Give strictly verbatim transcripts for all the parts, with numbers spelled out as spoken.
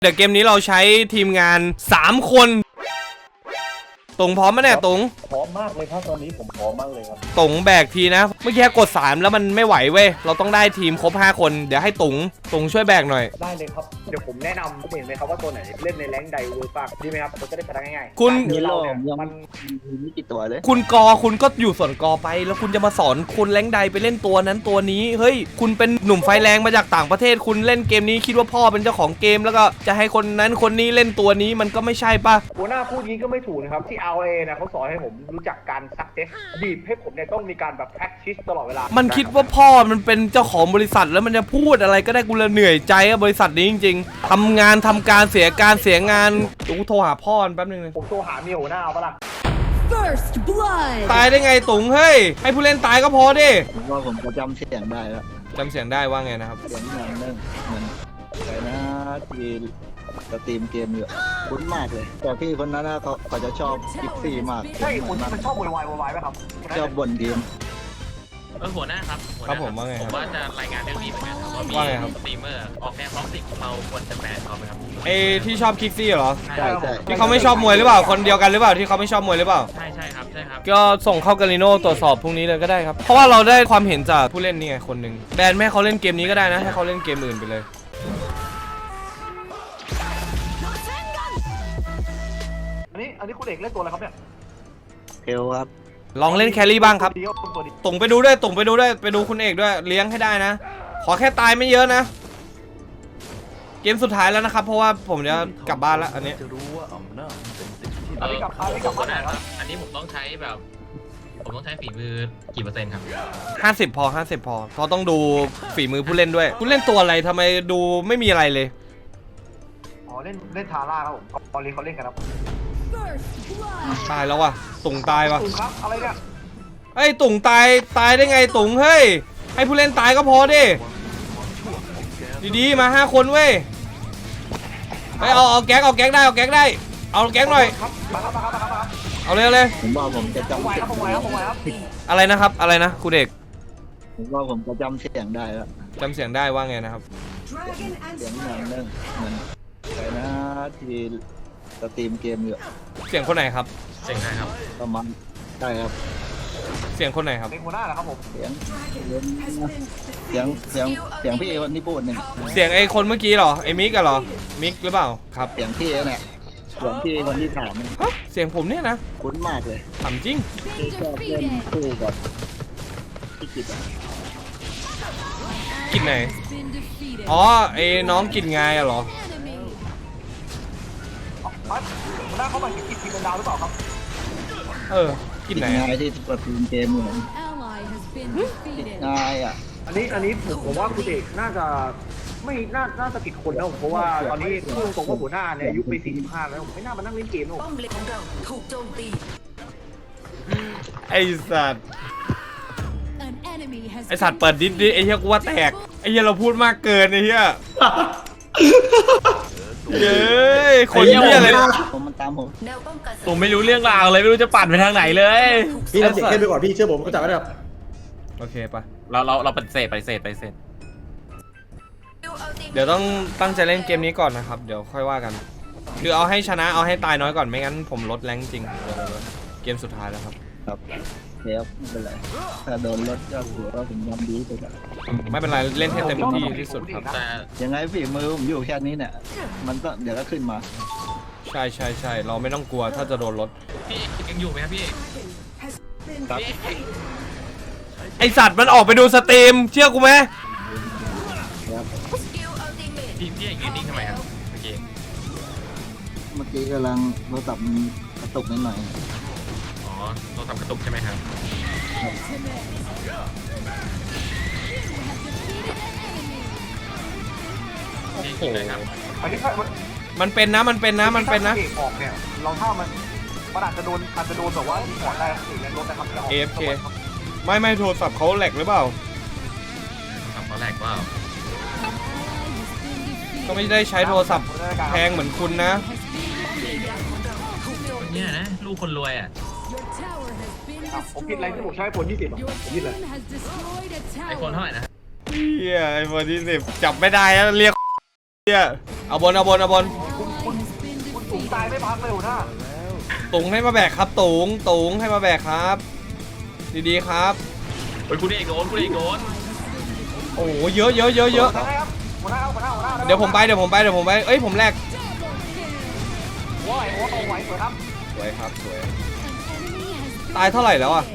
เดี๋ยวเกมนี้เราใช้ทีมงานสามคนตงพร้อมไหมเนี่ยตงพร้อมมากเลยครับตอนนี้ผมพร้อมมากเลยครับตงแบกทีนะเมื่อกี้กดสามแล้วมันไม่ไหวเว้ยเราต้องได้ทีมครบห้าคนเดี๋ยวให้ตงตงช่วยแบกหน่อยได้เลยครับเดี๋ยวผมแนะนำเห็นไหมครับว่าตัวไหนเล่นในแรงค์ใดเวิร์กบ้างดีไหมครับเราจะได้ชนะง่ายๆคุณมีเราเนี่ยมันมีกี่ตัวเลยคุณกอคุณก็อยู่ส่วนกอไปแล้วคุณจะมาสอนคนแรงค์ใดไปเล่นตัวนั้นตัวนี้เฮ้ยคุณเป็นหนุ่มไฟแรงมาจากต่างประเทศคุณเล่นเกมนี้คิดว่าพ่อเป็นเจ้าของเกมแล้วก็จะให้คนนั้นคนนี้เล่นตัวนี้มันก็ไม่ใช่ป่ะหัวหน้าพูดงี้ก็ไม่ถูกนะครับที่ อาร์ เอ นะเขาสอนให้ผมรู้จักการซักเซสบีบให้ผมเนี่ยต้องมีการแบบ practice ตลอดเวลามันคิดว่าพ่อมันเป็นเจ้าของบริษัทแล้วมันจะพูดอะไรก็ได้กูเลยเหนื่อยใจอะบริษัทนี้จริงๆทำงานทำการเสียการเสียงานกูโทรหาพ่อแป๊บนึงเลยผมโทรหาเมียหัวหน้าเอาปะล่ะ First blood ตายได้ไงตุ๋งเฮ้ยให้ผู้เล่นตายก็พอดิผมว่าผมจะจำเสียงได้แล้วจำเสียงได้ว่าไงนะครับเสียงอย่างนึงเหมือนใครนะที่สตรีมเกมอยู่คุ้นมากเลยแต่พี่คนนั้นเขาเขาจะชอบกิฟซี่มากใช่คนที่มันชอบวายวายวายไหมครับชอบบ่นทีมเออหัวหน้าครับครับผมว่าไงครับผมว่าจะรายงานเรื่องนี้เหมือนกันครับว่ามีสตรีมเมอร์ออกแนวท็อกซิกเราควรจะแบนเขาไหมครับไอ้ที่ชอบคิกซี่เหรอใช่ใช่ที่เขาไม่ชอบมวยหรือเปล่าคนเดียวกันหรือเปล่าที่เขาไม่ชอบมวยหรือเปล่าใช่ใช่ครับใช่ครับก็ส่งเข้ากาลิโน่ตรวจสอบพรุ่งนี้เลยก็ได้ครับเพราะว่าเราได้ความเห็นจากผู้เล่นนี่ไงคนหนึ่งแบนไม่ให้เขาเล่นเกมนี้ก็ได้นะให้เขาเล่นเกมอื่นไปเลยอันนี้อันนี้คุณเอกเล่นตัวอะไรครับเนี่ยเทลครับลองเล่นแครี่บ้างครับตุ่งไปดูด้วยตุ่งไปดูด้วยไปดูคุณเอกด้วยเลี้ยงให้ได้นะขอแค่ตายไม่เยอะนะเกมสุดท้ายแล้วนะครับเพราะว่าผมจะกลับบ้านแล้วอันนี้อันนี้กลับอันนี้กลับบ้านครับอันนี้ผมต้องใช้แบบผมต้องใช้ฝีมือกี่เปอร์เซ็นต์ครับห้าสิบพอห้าสิบพอเพราะต้องดูฝีมือผู้เล่นด้วยผู้เล่นตัวอะไรทำไมดูไม่มีอะไรเลยอ๋อเล่นเล่นทาร่าครับผมตอนนี้เขาเล่นกันครับตายแล้วว่ะตุ่งตายว่ะตุ่งครับอะไรเนี่ยเฮ้ยตุ่งตายตายได้ไงตุ่งเฮ้ยให้ผู้เล่นตายก็พอดิดีๆมาห้าคนเว้ยไปเอาเอาแก๊กเอาแก๊กได้เอาแก๊กได้เอาแก๊กหน่อยเอาเลยเอาเลยผมว่าผมจะจำเสียงอะไรนะครับอะไรนะคุณเด็กผมว่าผมจะจำเสียงได้แล้วจำเสียงได้ว่าไงนะครับเสียงอย่างนึงเหมือนใครนะที่สตรีมเกมอยู่เสียงคนไหนครับเสียงไหนครับประมาณใช่ครับเสียงคนไหนครับเสียงหัวหน้าเหรอครับผมเสียงเสียงเสียงเสียงพี่คนที่พูดหนึ่งเสียงไอ้คนเมื่อกี้เหรอไอ้มิกกันเหรอมิกหรือเปล่าครับเสียงพี่เนี่ยเสียงพี่คนที่ถามเสียงผมเนี่ยนะคุ้นมากเลยถามจริงที่ชอบเล่นคู่กับพี่กิตกินไหนอ๋อไอ้น้องกินไงอะเหรอหัวหน้าเขามากินทีมเป็นดาวหรือเปล่าครับเออกินไหนไงที่สตรีมเกมเหมือนง่ายอ่ะอันนี้อันนี้ผมผมว่าคุณเอกน่าจะไม่น่าน่าจะผิดคนแล้วเพราะว่าตอนนี้พูดตรงว่าหัวหน้าเนี่ยอายุไปสี่สิบห้าแล้วผมไม่น่ามานั่งเล่นเกมหรอกป้อมเลนของเราถูกโจมตีไอสัตว์ไอสัตว์เปิดดิสดิไอเหี้ยกูว่าแตกไอเหี้ยเราพูดมากเกินไอเหี้ยเย้คนเหี้ยอะไรผมมันตามผมผมไม่รู้เรื่องราวเลยไม่รู้จะปั่นไปทางไหนเลยพี่เสียเข้มไปก่อนพี่เชื่อผมเขาจับไว้แล้วโอเคปะเราเราเราปฏิเสธปฏิเสธปฏิเสธเดี๋ยวต้องตั้งใจเล่นเกมนี้ก่อนนะครับเดี๋ยวค่อยว่ากันคือเอาให้ชนะเอาให้ตายน้อยก่อนไม่งั้นผมลดแรงจริงเกมสุดท้ายแล้วครับครับเดี๋ยวไม่เป็นไรถ้าโดนลดก็ถือว่าผมยอมดีไปก่อนไม่เป็นไรเล่นให้เต็มที่ที่สุดครับแต่ยังไงฝีมือผมอยู่แค่นี้เนี่ยมันก็เดี๋ยวก็ขึ้นมาใช่ใช่ใช่เราไม่ต้องกลัวถ้าจะโดนลดพี่ยังอยู่ไหมครับพี่ครับไอสัตว์มันออกไปดูสตรีมเชื่อกูไหมพี่พี่ยืนนิ่งทำไมครับเมื่อกี้เมื่อกี้กำลังโทรศัพท์กระตุกนิดหน่อยอ๋อโทรศัพท์กระตุกใช่ไหมครับพี่ยิงเลยครับอันนี้มันเป็นนะมันเป็นนะมันเป็นนะออกเนี่ยเราถ้ามันมันอาจจะโดนอาจจะโดนแบบว่าถอดได้ถึงแรงลดนะครับเอ เอฟ เค ไม่ไม่โทรศัพท์เขาแหลกหรือเปล่าทำเขาแหลกเปล่าก็ไม่ได้ใช้โทรศัพท์แพงเหมือนคุณนะเนี่ยนะลูกคนรวยอ่ะผมคิดอะไรที่ผมใช้ผลยี่สิบผมคิดเลยไอโฟนเท่าไหร่นะเฮียไอโฟนยี่สิบจับไม่ได้แล้วเรียกเฮียเอาบนเอาบนเอาบนคุณคุณคุณสูงตายไม่พักเลยหัวหน้าตุงให้มาแบกครับตุงตุงให้มาแบกครับ ดีๆครับเฮ้ยคุณเอกโดนคุณเอกโดนโอ้โหเยอะเยอะเยอะเยอะได้ครับหัวหน้าหัวหน้าหัวหน้าเดี๋ยวผมไปเดี๋ยวผมไปเดี๋ยวผมไปเอ้ยผมแลกว้ายโอ้โหไหวสวยครับสวยครับสวยตายเท่าไหร่แล้วอ่ะ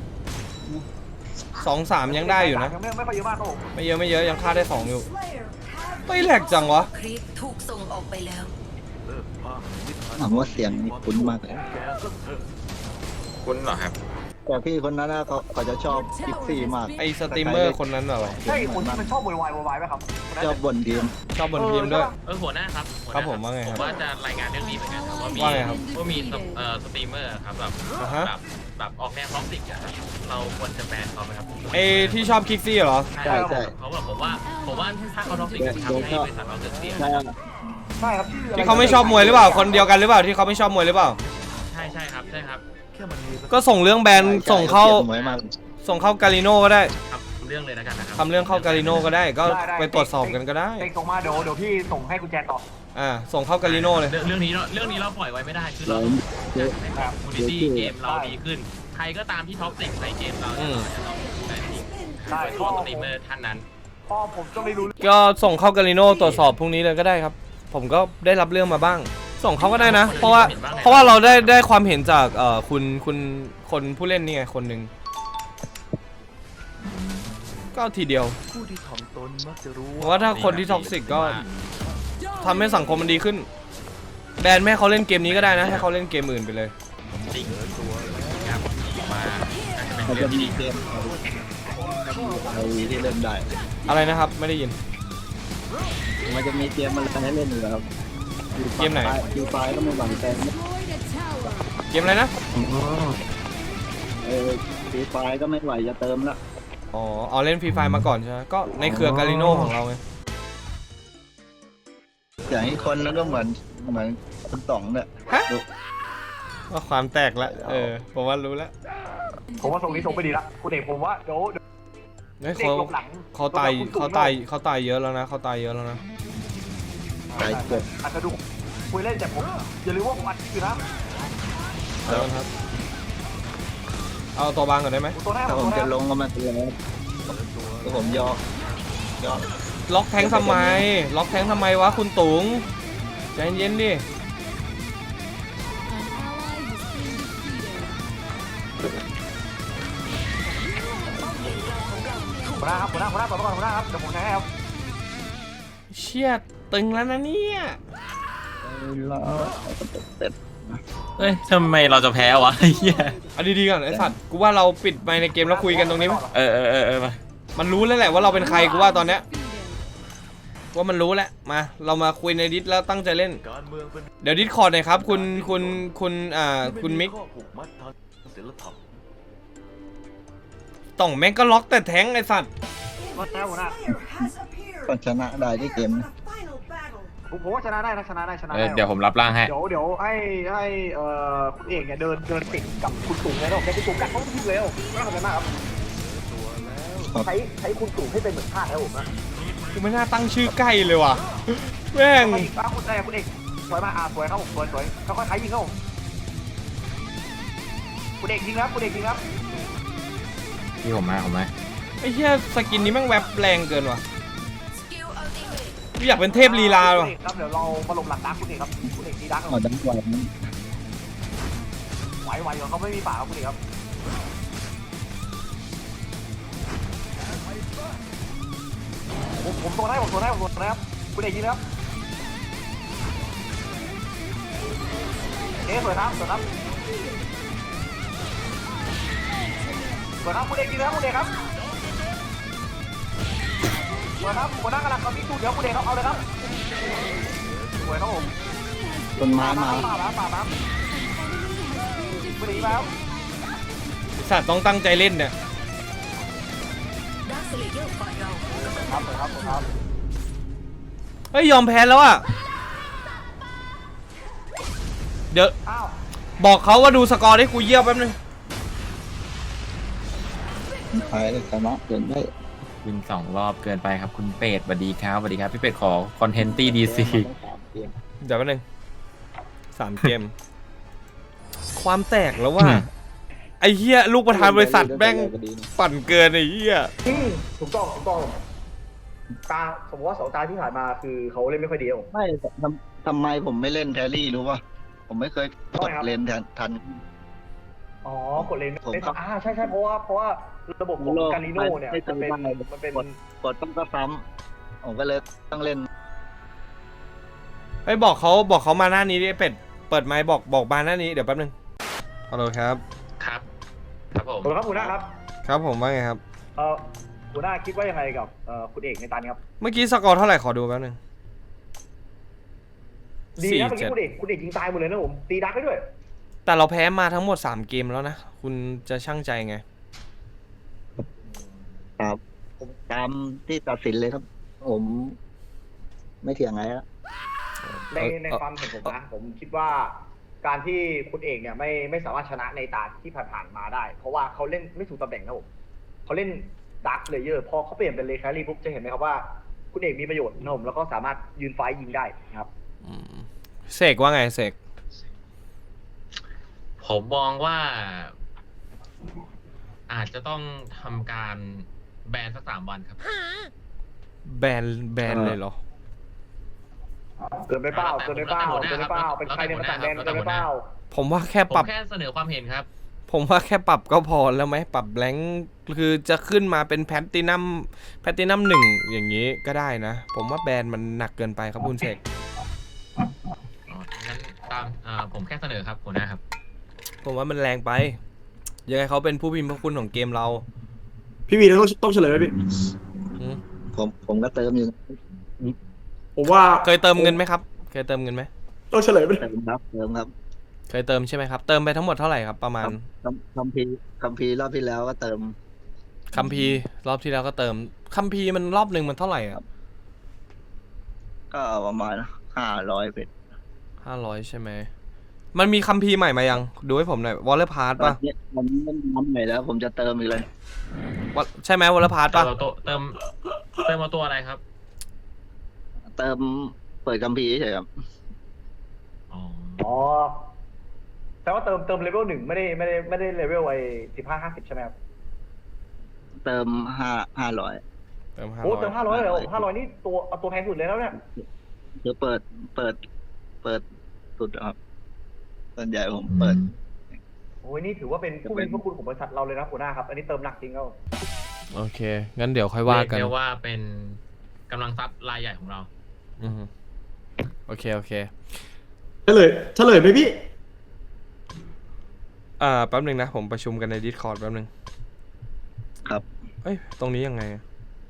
สองสามยังได้อยู่นะยังไม่ไม่ค่อยเยอะมากครับผมไม่เยอะไม่เยอะยังฆ่าได้สองอยู่เฮ้ยแหลกจังวะครีปถูกส่งออกไปแล้วถามว่าเสียงนี่คุ้นมากเลยคุณเหรอครับแต่พี่คนนั้นนะเขาเขาจะชอบกิฟซี่มากไอสตรีมเมอร์คนนั้นเหรอใช่คนที่มันชอบโวยวายโวยวายไหมครับชอบบ่นทีมชอบบนทีมด้วยเออหัวหน้าครับหัวหครัน้าบผมว่าไงครับผมว่าจะรายงานเรื่องนี้เหมือนกันครับว่ามีว่าไงครับว่ามีสเอ่อสตรีมเมอร์ครับแบบอ่าฮะแบบแบบออกแนวท็อกซิกอะครับเราควรจะแบนเขาไหมครับไอที่ชอบคิกซี่เหรอใช่ใช่เขาแบบผมว่าผมว่าถ้าเขาท็อกซิกจะทำให้บริษัทเราเสื่อมเสียใช่ใช่ครับชื่ออะไรที่เขาไม่ชอบมวยหรือเปล่าคนเดียวกันหรือเปล่าที่เขาไม่ชอบมวยหรือเปล่าใช่ใช่ครับใช่ครับก็ส่งเรื่องแบนส่งเข้าหมวยมากส่งเข้ากาลิโน่ก็ได้ครับเรื่องเลยแล้วกันนะครับทำเรื่องเข้ากาลิโน่ก็ได้ก็ไปตรวจสอบกันก็ได้เต็งส่งมาเดี๋ยวเดี๋ยวพี่ส่งให้กุญแจต่ออ่าส่งเข้ากาลิโน่เลยเรื่องเรื่องนี้เราเรื่องนี้เราปล่อยไว้ไม่ได้คือเราต้องให้แบบมูนิตี้เกมเราดีขึ้น ใครก็ตามที่ท็อกซิกในเกมเราเนี่ยเราจะต้องแบนทิ้งได้โดยเฉพ่อพาะสผมตรีมเมอร์ท่านนั้นพ่อผมก็ไม่รู้ก็ส่งเข้ากาลิโน่ตรวจสอบพรุ่งนี้เลยก็ได้ครับ ผมก็ได้รับเรื่องมาบ้าง ส่งเขาก็ได้นะ เพราะว่าเพราะว่าเราได้ได้ความเห็นจากเอ่อคุณคุณคนผู้เล่นนี่ไงคนหนึ่งก็ทีเดียวเพราะว่าถ้าคนที่ท็อกซิกก็ทำให้สังคมมันดีขึ้น แบนไม่ให้เขาเล่นเกมนี้ก็ได้นะให้เขาเล่นเกมอื่นไปเลยจริงครับมาอาจจะมันเป็นจะเรื่องที่มีดีเกมไอที่เล่นได้อะไรนะครับไม่ได้ยินมันจะมีเกมอะไรให้เล่นอยู่แล้วครับเกมไหนฟรีไฟก็ไม่หวังแต่ Destroyed a tower. เกมอะไรนะเออฟรีไฟก็ไม่ไหวจะเติมละอ๋ออ๋อเล่นฟรีไฟมาก่อนใช่ไหมก็ในเครือกาลิโน่ของเราไงอย่างอีกคนนั้นก็เหมือนเหมือนคุณต๋องเนี่ยฮะว่าความแตกละเออผมว่ารู้แล้วผมว่าส่งนี้ส่งไปดีละคุณเอกผมว่าเดี๋ยวเดี๋ยวเฮ้ยเด็กเขาหลบหลังเขาตายเขาตายเขาตายเยอะแล้วนะเขาตายเยอะแล้วนะตายเกิดอาจจะดูคุยเล่นแต่ผมอย่าลืมว่าผมอัดอยู่นะเอาละครับ เอาตัวบางก่อนได้ไหมตัวแรกถ้าผผม มตัวแรจะกลงก็มาเตือนแล้วก็ผมยอกยอกล็อกแทงค์ทำไม ล็อกแทงค์ทำไมวะคุณตุงใจเย็นๆดิ An ally has been defeated. หัวหน้าครับหัวหน้าหัวหน้าต่อไปก่อนหัวหน้าครับเดี๋ยวผมแทงให้ครับเชี่ยตึงแล้วนะเนี่ยแล้วเสร็จเฮ้ยทำไมเราจะแพ้วะเฮียเอาดีๆก่อนไอ้สัตว์กูว่าเราปิดไมค์ในเกมแล้วคุยกันตรงนี้ไหมเออเออเออเออมามันรู้แล้วแหละว่าเราเป็นใครกูว่าตอนเนี้ยว่ามันรู้แล้วมาเรามาคุยในดิสแล้วตั้งใจเล่น เดี๋ยวดิสคอร์ดหน่อยครับคุณคุณคุณอ่าคุณมิกต่องแม่งก็ล็อกแต่แทงค์ไอ้สัตว์หัวหน้าหัวหน้าก็ชนะได้ที่เกมนะผมผมว่าชนะได้นะชนะได้ชนะเอได้อเดี๋ยวผมรับร่างให้เดี๋ยวเดี๋ยวให้ให้เอ่อคุณเอกเนี่ยเดินเดินติดกับคุณตู่เลยนะผมใช้คุณตู่กัดเขาทิ้งเลยผมไม่ต้องทำอะไรมากครับใช้ใช้คุณตู่ให้เป็นเหมือนทาสแล้วผมนะกูไม่น่าตั้งชื่อใกล้เลยว่ะแม่งไปอีกป้าคุณได้คุณเอกสวยมากอ่าสวยครับผมสวยสวยค่อยๆใช้ยิงครับผมคุณเอกยิงครับคุณเอกยิงครับพี่ผมมาผมมาไอ้เหี้ยสกินนี้แม่งแวบแรงเกินว่ะสกิลอัลติเมทกูอยากเป็นเทพลีลาว่ะครับเดี๋ยวเรามาลงหลังดักคุณเอกครับคุณเอกดีดักอ๋อดังกว่าไหวไหวๆเขาไม่มีป่าครับคุณเอกครับผมผมตัวได้ผมตัวได้ผมตัวได้ครับคุณเอกยิงครับเอ๊ะสวยครับสวยครับสวยครับคุณเอกยิงครับคุณเอกครับสวยครับหัวหน้ากำลังเขามีตู้เดี๋ยวคุณเอกครับเอาเลยครับสวยครับผมต้นไม้มาป่ามาป่ามาคุณเอกแล้วสัตว์ต้องตั้งใจเล่นเนี่ยดักสเลเยอร์ฝ่ายเราครับสวยครับสวยครับเฮ้ยยอมแพ้แล้วอ่ะ เดี๋ยวอ้าวบอกเขาว่าดูสกอร์ได้กูเยี่ยวแป๊บนึงไปชนะเกินได้วินสองรอบเกินไปครับคุณเป็ดสวัสดีครับสวัสดีครับพี่เป็ดขอคอนเทนต์ตี้ดีซีขอเกมเดี๋ยวแป๊บนึงสามเกม ความแตกแล้วว่า ไอ้เหี้ยลูกประธานบริษัทแม่งปั่นเกินไอ้เหี้ยอืมถูกต้องถูกต้องตาสมมติว่าสองตาที่ผ่านมาคือเขาเล่นไม่ค่อยดีครับผมไม่ทำทำไมผมไม่เล่นแทรี่รู้ป่ะผมไม่เคยกดเลนแทนทันอ๋อกดเลนผมไม่ครับอ่าใช่ใช่เพราะว่าเพราะว่าระบบของการิโน่เนี่ยไม่มันเป็นไม่มันเป็นกดกดต้องก็ซ้ำผมก็เลยต้องเล่นไอ้ยบอกเขาบอกเขามาหน้านี้ดิไอ้เป็ดเปิดไมค์บอกบอกมาหน้านี้เดี๋ยวแป๊บนึงฮัลโหลครับครับ ครับผมขอบคุณครับหัวหน้าครับครับผมว่าไงครับเอ่อหัวหน้าคิดว่ายังไงกับเอ่อคุณเอกในตานี้ครับเมื่อกี้สกอร์เท่าไหร่ขอดูแป๊บนึงดีสี่นะเมื่อเจ็กี้ดคุณเอกคุณเอกยิงตายหมดเลยนะผมตีดักได้ด้วยแต่เราแพ้มาทั้งหมดสามเกมแล้วนะคุณจะช่างใจไงครับผมตามที่ตัดสินเลยครับ ผมไม่เถียงไงละในในความเห็นผมนะผมคิดว่าการที่คุณเอกเนี่ยไม่ไม่สามารถชนะในตาที่ผ่านๆมาได้ เพราะว่าเขาเล่นไม่ถูกตำแหน่งนะผมเขาเล่นดักเลเยอร์พอเขาเปลี่ยนเป็นเลแครี่ปุ๊บจะเห็นไหมครับว่าคุณเอกมีประโยชน์นะผมแล้วก็สามารถยืนไฟยิงได้นะครับอืมเสกว่าไงเสกผมมองว่า อาจจะต้องทำการแบนสักสามวันครับแบนแบนเลยเหรอเกินไปเปล่าเกินไปเปล่าเกินไปเปล่าเป็นใครในมาต่างแดนเกินไปเปล่าผมว่าแค่ผมปรับแค่เสนอความเห็นครับผมว่าแค่ปรับก็พอแล้วไหมปรับแบงค์คือจะขึ้นมาเป็นแพตตินัมแพตตินัมหนึ่งอย่างนี้ก็ได้นะ ผมว่าแบนมันหนักเกินไปครับคุณเสกอ๋อ งั้นตามอ่าผมแค่เสนอครับหัวหน้าครับผมว่ามันแรงไป ยังไงเขาเป็นผู้พิมพ์พระคุณของเกมเราพี่วีต้องต้องเฉลยไหมพี่อืมผมผมก็เติมอยู่ผมว่าเคยเติมเงินไหมครับ เคยเติมเงินไหมต้องเฉลยไหมเติมครับเติมครับเคยเติมใช่ไหมครับ เติมไปทั้งหมดเท่าไหร่ครับประมาณคัมคัมพีร์คัมพีร์รอบที่แล้วก็เติมคัมพีร์รอบที่แล้วก็เติมคัมพีร์มันรอบหนึ่งมันเท่าไหร่ครับก็ประมาณห้าร้อยเป็ดห้าร้อยใช่ไหมมันมีคัมพีร์ใหม่มายังดูให้ผมหน่อยวอลเลอร์พาร์ตตอป่ะนนี้มันมันมันใหม่แล้ว ผมจะเติมอีกเลยวะใช่ไหมวอลเลอร์พาร์ตเติป่ะมเอาตัวเติมเติมเอาตัวอะไรครับเติมเปิดคัมพีร์เฉยๆครับอ๋ออ๋อแต่ว่าเติมเติมเลเวลหนึ่งไม่ได้ไม่ได้ไม่ได้เลเวลไอ้สิบห้าห้าสิบใช่ไหมครับเติมห้าห้าร้อยเติมห้าโอ้ร้อยเติมห้าร้อยเลยเหรอห้าร้อยนี่ตัวเอาตัวแพงสุดเลยแล้วเนี่ยคือเปิดเปิดเปิดสุดครับส่วนใหญ่ผมเปิดโอ้ยนี่ถือว่าเป็นผู้มีพระคุณของบริษัทเราเลยนะหัวหน้าครับอันนี้เติมหนักจริงครับโอเคงั้นเดี๋ยวค่อยว่ากันเรียกว่าเป็นกำลังทรัพย์รายใหญ่ของเราอือฮึโอเคโอเคเฉลยเฉลยไหมพี่อ่าแป๊บหนึงนะผมประชุมกันใน Discord แป๊บหนึงครับเอ้ยตรงนี้ยังไงอะ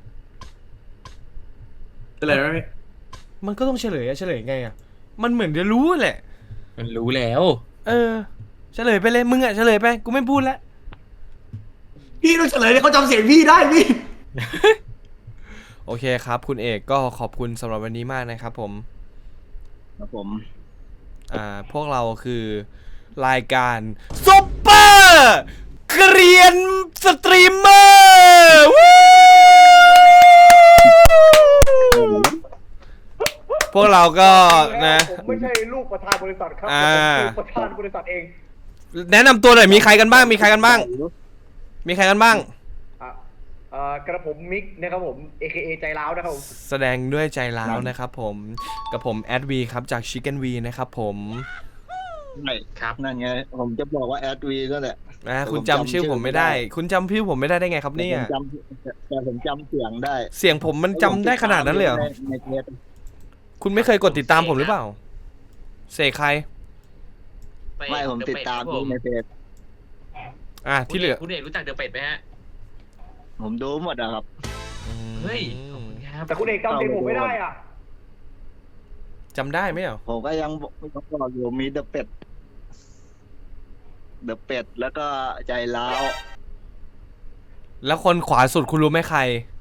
เฉลยไหมพี่มันก็ต้องเฉลยอะเฉลยไงอะมันเหมือนจะรู้แหละมันรู้แล้วเออเฉลยไปเลยมึงอะเฉลยไปกูไม่พูดแล้วพี่ต้องเฉลยเลยเขาจำเสียงพี่ได้พี่โอเคครับคุณเอกก็ขอบคุณสำหรับวันนี้มากนะครับผมครับผมอ่าพวกเราคือรายการซุปเปอร์เกรียนสตรีมเมอร์พวกเราก็นะผมไม่ใช่ลูกประธานบริษัทครับอ่าผมคือประธานบริษัทเองแนะนำตัวหน่อยมีใครกันบ้างมีใครกันบ้าง มีใครกันบ้างอ่ะเอ่อกระผมมิกนะครับผม เอ เค เอ ใจร้าวนะครับผมแสดงด้วยใจร้าวนะครับผมกับผมแอดวีครับจาก Chicken V นะครับผมไม่ครับนั่นไง ผมจะบอกว่าแอดวีก็แหละนะคุณจำชื่อผมไม่ได้ คุณจำชื่อผมไม่ได้ได้ไงครับเนี่ยผมจำแต่ผมจำเสียงได้เสียงผมมันจำได้ขนาดนั้นเลยเหรอในในเทปคุณไม่เคยกดติดตามผมหรือเปล่าเสกใครไม่ผมติดตามเดอะเป็ดครับผมในเทปอ่ะที่เหลือคุณเอกรู้จักเดอะเป็ดไหมฮะผมดูหมดอะครับเฮ้ยขอบคุณครับแต่คุณเอกจำเสียงผมไม่ได้อ่ะจำได้ไหมอ่ะผมก็ยังบอกบอกอยู่มีเดอะเป็ดเดอะเป็ดแล้วก็ใจร้าวแล้วคนขวาสุดคุณรู้ไหมใคร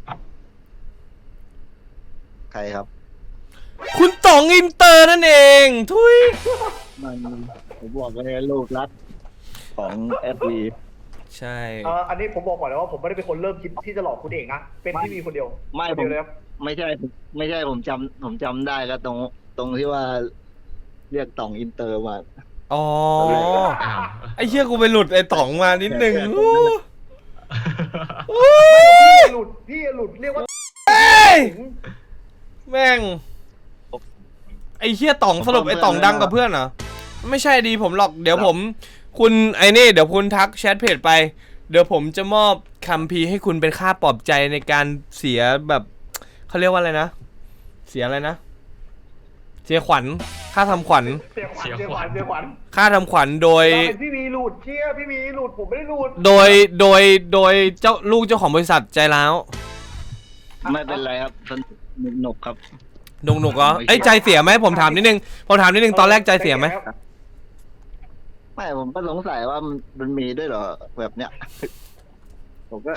ใครครับคุณต๋องอินเตอร์นั่นเองทุยมันผมบอกเลยลูกรักของแอดวีใช่เอ่ออันนี้ผมบอกก่อนเลยว่าผมไม่ได้เป็นคนเริ่มคิดที่จะหลอกคุณเอกนะ เป็นที่มีคนเดียวไม่คนผเดียมวเลยครับไม่ใช่ไม่ใช่ผมจำผมจำได้ก็ตรงตรงที่ว่าเรียกต่องอินเตอร์มาอ๋ออ้าวไอ้เชี่ยกูไปหลุดไอ้ต๋องมานิดนึงแค่อู้พี่หลุดพี่หลุดเรียกว่าเอ้ยแม่งไอ้เชี่ยต๋องสรุปไอ้ต๋องดังกับเพื่อนเหรอไม่ใช่ดีผมหรอกเดี๋ยวผม คุณไอ้นี่เดี๋ยวคุณทักแชทเพจไป เดี๋ยวผมจะมอบคัมภีร์ให้คุณเป็นค่าปลอบใจในการเสียแบบเขาเรียกว่าอะไรนะ เสียอะไรนะ เสียขวัญค่าทำขวัญเสียขวัญเสียขวัญเสียขวัญค่าทำขวัญโดยเราเป็นพี่มีหลุดเชี่ยพี่มีหลุดผมไม่ได้หลุดโดยโดยโดยเจ้าลูกเจ้าของบริษัทใจร้าวไม่เป็นไรครับสนุกครับหนุกหนุกเหรอไอ้ยใจเสียไหมผมถามนิดนึงผมถามนิดนึงตอนแรกใจเสียไหมไม่ผมก็สงสัยว่ามันมันมีด้วยเหรอแบบเนี้ย ผมก็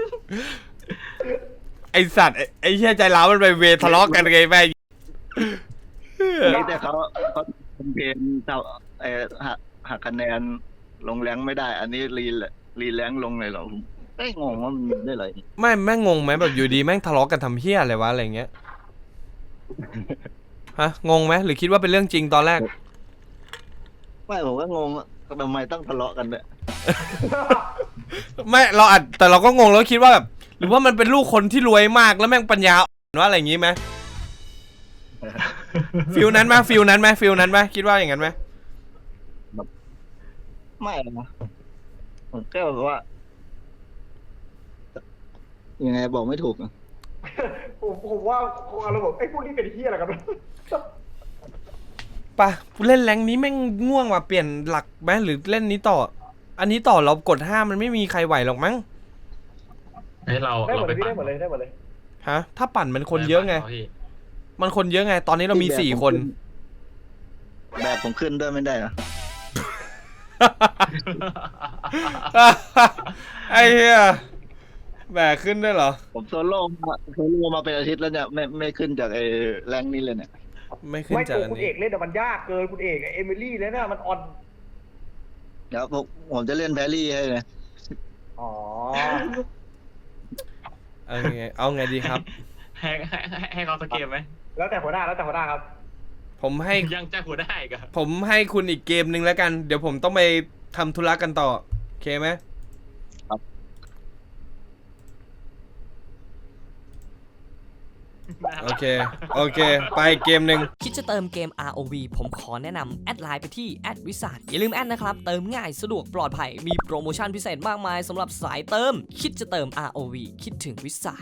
ไอสัตว์ไอ้ไอ้เชี่ยใจร้าวมันไปเวทะเลาะกันไงแม่งนี่แต่เขาเขาทำเพลงเท่าเออหักหักคะแนนลงแรงไม่ได้ อันนี้รีรีแรงลงเลยเหรอผมไม่งงว่ามันมีได้เลยไม่แม่งงงไหมแบบอยู่ดีแม่งทะเลาะกันทำเพี้ยอะไรวะอะไรเงี้ยฮะงงไหมหรือคิดว่าเป็นเรื่องจริงตอนแรกไม่ผมก็งงว่าทำไมต้องทะเลาะกันเนี่ยไม่เราอาจแต่เราก็งงแล้วคิดว่าแบบหรือว่ามันเป็นลูกคนที่รวยมากแล้วแม่งปัญญาอ่อนว่าอะไรอย่างงี้ไหมฟิลนั้นไหมฟิลนั้นไหมฟิลนั้นไหมคิดว่าอย่างนั้นไหมไม่นะผมแค่แบบว่า ยังไงบอกไม่ถูกอะผมผมว่าคงอารมณ์แบบไอ้พวกนี้เป็นที่อะไรกันปะเล่นแรงค์นี้แม่งง่วงว่ะเปลี่ยนหลักไหมหรือเล่นนี้ต่อ อันนี้ต่อเรากดห้ามันไม่มีใครไหวหรอกมั้งให้เราได้หมเราดเลไปยพี่ปั่ได้นหมดเลยได้หมดเลยฮะถ้าปั่นมันคนเยอะไง มันคนเยอะไง ตอนนี้เรามีสี่คนแบบผมขึ้นด้วยไม่ได้นะไอ้เหี้ยแบกขึ้นได้เหรอผมโซโล่มาโซโล่มาเป็นอาทิตย์แล้วเนี่ยไม่ไม่ขึ้นจากไอ้แรงนี้เลยเนี่ยไม่ขึ้นไม่จากตัวอันคุณนี้เอกเล่นแต่มันยากเกินคุณเอกเอมิลี่แล้วเนี่ยมันออนเดี๋ยวผมผมจะเล่นแพรรี่ให้เลยอ๋อเอาไงเอาไงดีครับให้ให้ให้ให้เขาสเกมไหมแล้วแต่หัวหน้าแล้วแต่หัวหน้าครับผมให้ยังจะหัวได้อีกันผมให้คุณอีกเกมหนึ่งแล้วกัน เดี๋ยวผมต้องไปทำธุระกันต่อ โอเคไหม โอเค โอเค ไปเกมหนึ่งคิดจะเติมเกม อาร์ โอ วี ผมขอแนะนำแอดไลน์ไปที่แอดวิสาอย่าลืมแอดนะครับ เติมง่ายสะดวกปลอดภัย มีโปรโมชั่นพิเศษมากมายสำหรับสายเติม คิดจะเติม อาร์ โอ วี คิดถึงวิสา